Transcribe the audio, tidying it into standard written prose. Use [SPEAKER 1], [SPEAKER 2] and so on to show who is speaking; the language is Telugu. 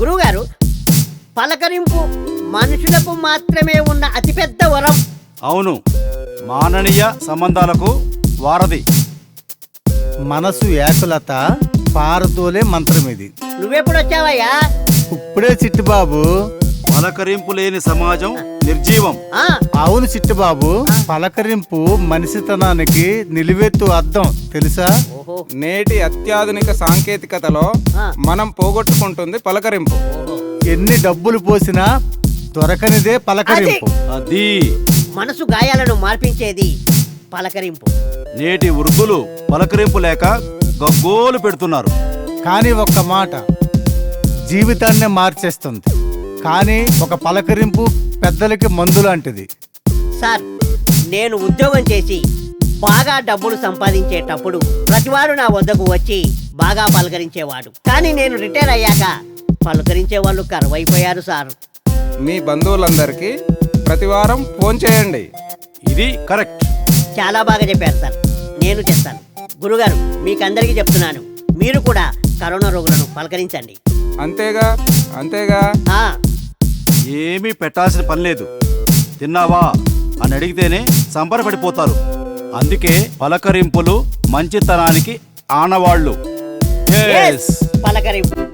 [SPEAKER 1] గురువుగారు, పలకరింపు మనుషులకు మాత్రమే ఉన్న అతిపెద్ద వరం.
[SPEAKER 2] అవును, మాననీయ సంబంధాలకు వారధి.
[SPEAKER 3] మనసు ఏకలత పారదోలే మంత్రం ఇది.
[SPEAKER 1] నువ్వెప్పుడు వచ్చావయ్యా?
[SPEAKER 3] ఇప్పుడే చిట్టుబాబు.
[SPEAKER 2] పలకరింపు లేని సమాజం నిర్జీవం.
[SPEAKER 1] ఆ,
[SPEAKER 3] అవును చిట్టుబాబు, పలకరింపు మనిషితనానికి నిలువెత్తు అద్దం తెలుసా?
[SPEAKER 1] ఓహో,
[SPEAKER 4] నేటి అత్యాధునిక సాంకేతికతలో
[SPEAKER 1] ఆ.
[SPEAKER 4] మనం పోగొట్టుకుంటుంది పలకరింపు.
[SPEAKER 1] ఓహో.
[SPEAKER 3] ఎన్ని డబ్బులు పోసినా దొరకనిదే పలకరింపు.
[SPEAKER 2] అది
[SPEAKER 1] మనసు గాయాలను మార్పించేది పలకరింపు.
[SPEAKER 2] నేటి వృద్ధులు పలకరింపు లేక గగ్గోలు పెడుతున్నారు.
[SPEAKER 3] కానీ ఒక్క మాట జీవితాన్నే మార్చేస్తుంది. కానీ ఒక పలకరింపు పెద్దలకి మందు లాంటిది.
[SPEAKER 1] సార్, నేను ఉద్యోగం చేసి బాగా డబ్బులు సంపాదించేటప్పుడు ప్రతివాడు నా వద్దకు వచ్చి బాగా పలకరించేవాడు. కానీ నేను రిటైర్ అయ్యాక పలకరించే వాళ్ళు కరువైపోయారు సార్.
[SPEAKER 4] మీ బంధువులందరికీ ప్రతివారం ఫోన్ చేయండి.
[SPEAKER 2] ఇది కరెక్ట్.
[SPEAKER 1] చాలా బాగా చెప్పారు సార్, నేను చేస్తాను. గురుగారు, మీకందరికీ చెప్తున్నాను, మీరు కూడా కరోనా రోగులను పలకరించండి.
[SPEAKER 4] అంతేగా అంతేగా
[SPEAKER 1] ఆ,
[SPEAKER 2] ఏమీ పెట్టాల్సిన పని లేదు. తిన్నావా అని అడిగితేనే సంబరపడిపోతారు. అందుకే పలకరింపులు మంచితనానికి ఆనవాళ్ళు.
[SPEAKER 1] yes, పలకరింపు.